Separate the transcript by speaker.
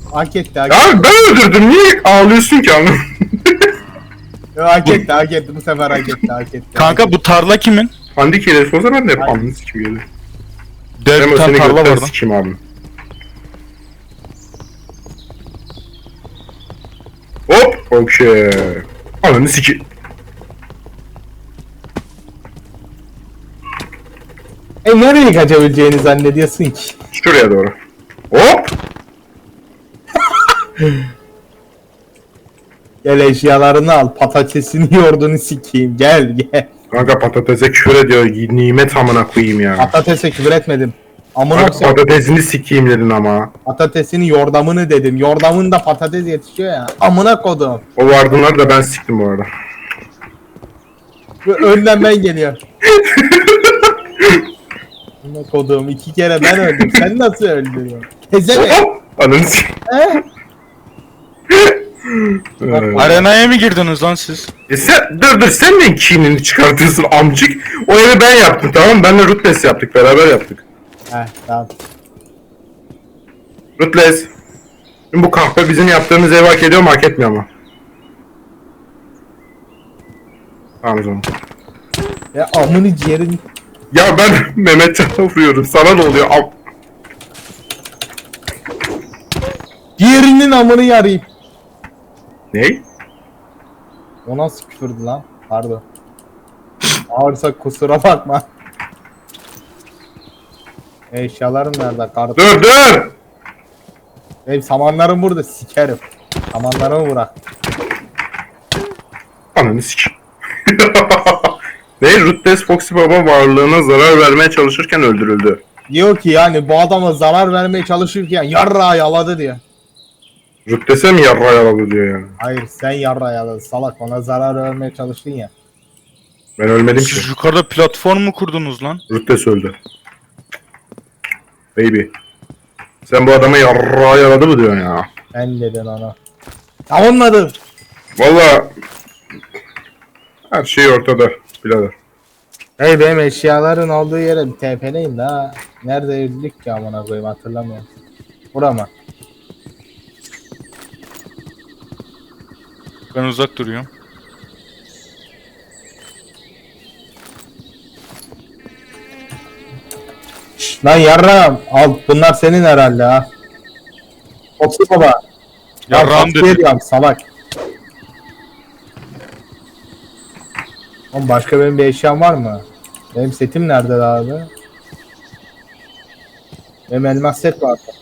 Speaker 1: Hak etti,
Speaker 2: Ya ben öldürdüm, niye ağlıyorsun ki anladın?
Speaker 1: hak etti, bu sefer hak etti.
Speaker 3: Kanka bu tarla kimin?
Speaker 2: Handi kelesi olsa ben de hep
Speaker 1: Aynen.
Speaker 2: anını sikim geliyor.
Speaker 3: Dev
Speaker 2: Hem
Speaker 3: bir
Speaker 2: o
Speaker 3: tane
Speaker 2: seni
Speaker 3: tarla
Speaker 2: götten
Speaker 3: var lan.
Speaker 2: sikim abi. Hop, okey. Ananı sikim.
Speaker 1: Nereye kaçabileceğini zannediyorsun ki?
Speaker 2: Şuraya doğru. Hop.
Speaker 1: Gel eşyalarını al, patatesini yoğurdunu sikeyim, gel gel.
Speaker 2: Kanka patatese küfür ediyor. Nimet amına koyayım ya.
Speaker 1: Patatese küfür etmedim. Amına
Speaker 2: Kanka
Speaker 1: koyayım.
Speaker 2: patatesini sikeyim dedin ama.
Speaker 1: Patatesini yordamını dedim. Yordamında patates yetişiyor ya. Amına kodum.
Speaker 2: O vardınlar da ben siktim bu arada.
Speaker 1: Önden ben geliyorum. Amına kodum, 2 kere ben öldüm. Sen nasıl öldürüyorsun? Tezeme.
Speaker 2: Hop. Ananı sikim.
Speaker 3: Arenaya mı girdiniz lan siz?
Speaker 2: Sen dur sen de kinini çıkartıyorsun amcık. O evi ben yaptım, tamam mı? Benle Rutles yaptık, beraber yaptık.
Speaker 1: Tamam.
Speaker 2: Rutles. Şimdi bu kahpe bizim yaptığımız evi hak ediyor mu, hak etmiyor mu? Tamam o zaman.
Speaker 1: Ya amını ciğerini.
Speaker 2: Ya ben Mehmetcan'a vuruyorum, sana ne oluyor?
Speaker 1: Diğerinin amını yarayım.
Speaker 2: Ne?
Speaker 1: O nasıl küfürdü lan? Pardon. Ağırsa kusura bakma. Eşyalarım nerede? Kartı.
Speaker 2: Dur!
Speaker 1: Benim samanlarım burada, sikerim. Samanlarımı bırak.
Speaker 2: Ananı sikim. Ne? Rutles Foxy Baba varlığına zarar vermeye çalışırken öldürüldü.
Speaker 1: Diyor ki yani bu adama zarar vermeye çalışırken yarrağı yaladı diyor.
Speaker 2: Rutles'e mi yarra yaralı diyor yani.
Speaker 1: Hayır, sen yarrağı yaladın salak, ona zarar vermeye çalıştın ya.
Speaker 2: Ben ölmedim ki.
Speaker 3: Siz yukarıda platform mu kurdunuz lan?
Speaker 2: Rutles öldü. Baby. Sen bu adama yarra yaradı mı diyorsun ya?
Speaker 1: Ben dedin ona. Savunmadım.
Speaker 2: Valla her şey ortada birader.
Speaker 1: Hey, benim eşyaların olduğu yere bir TP'leyin daha. Nerede öldük ki amına koyayım, hatırlamıyorum. Bura mı?
Speaker 3: Ben uzak duruyorum.
Speaker 1: Lan yarrağım al, bunlar senin herhalde ha. Foxy baba.
Speaker 3: Yarrağım
Speaker 1: Foxy
Speaker 3: dedi.
Speaker 1: diyorum, salak. Oğlum başka benim bir eşyam var mı? Benim setim nerede abi? Benim elmas set vardı.